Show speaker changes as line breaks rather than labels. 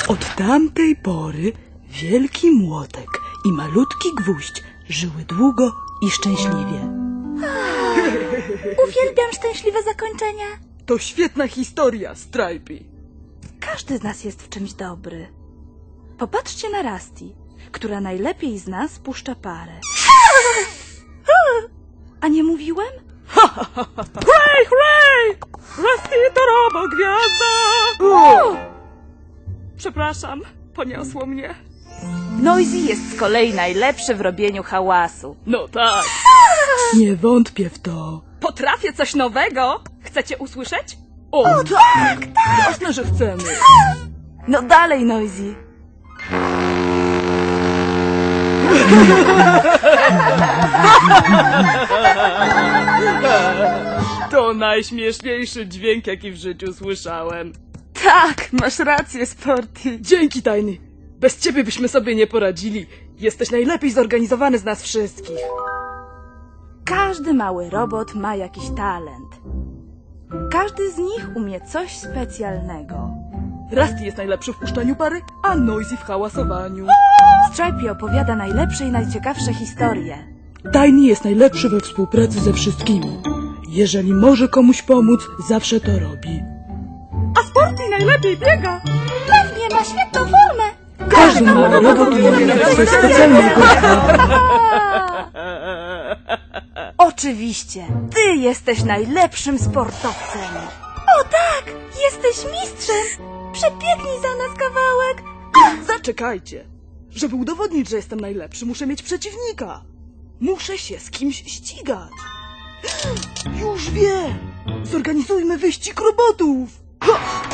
Od tamtej pory wielki młotek i malutki gwóźdź żyły długo i szczęśliwie.
Uwielbiam szczęśliwe zakończenia.
To świetna historia, Stripey.
Każdy z nas jest w czymś dobry. Popatrzcie na Rusty, która najlepiej z nas puszcza parę. A nie mówiłem?
Hurray, hurray! Rusty to robogwiazda! Przepraszam, poniosło mnie.
Noisy jest z kolei najlepszy w robieniu hałasu.
No tak. Nie wątpię w to.
Potrafię coś nowego. Chcecie usłyszeć?
O tak! Jasne, że chcemy.
No dalej, Noisy.
To najśmieszniejszy dźwięk, jaki w życiu słyszałem.
Tak, masz rację, Sporty.
Dzięki, Tajny. Bez ciebie byśmy sobie nie poradzili. Jesteś najlepiej zorganizowany z nas wszystkich.
Każdy mały robot ma jakiś talent. Każdy z nich umie coś specjalnego.
Rusty jest najlepszy w puszczaniu pary, a Noisy w hałasowaniu.
Stripey opowiada najlepsze i najciekawsze historie.
Tajny jest najlepszy we współpracy ze wszystkimi. Jeżeli może komuś pomóc, zawsze to robi.
A Sporty najlepiej biega.
Pewnie ma świetną formę.
Każdy mały robot ma coś specjalnego.
Oczywiście, ty jesteś najlepszym sportowcem. O tak, jesteś mistrzem. Przebiegnij za nas kawałek.
Zaczekajcie. Żeby udowodnić, że jestem najlepszy, muszę mieć przeciwnika. Muszę się z kimś ścigać. Już wiem. Zorganizujmy wyścig robotów. Ha!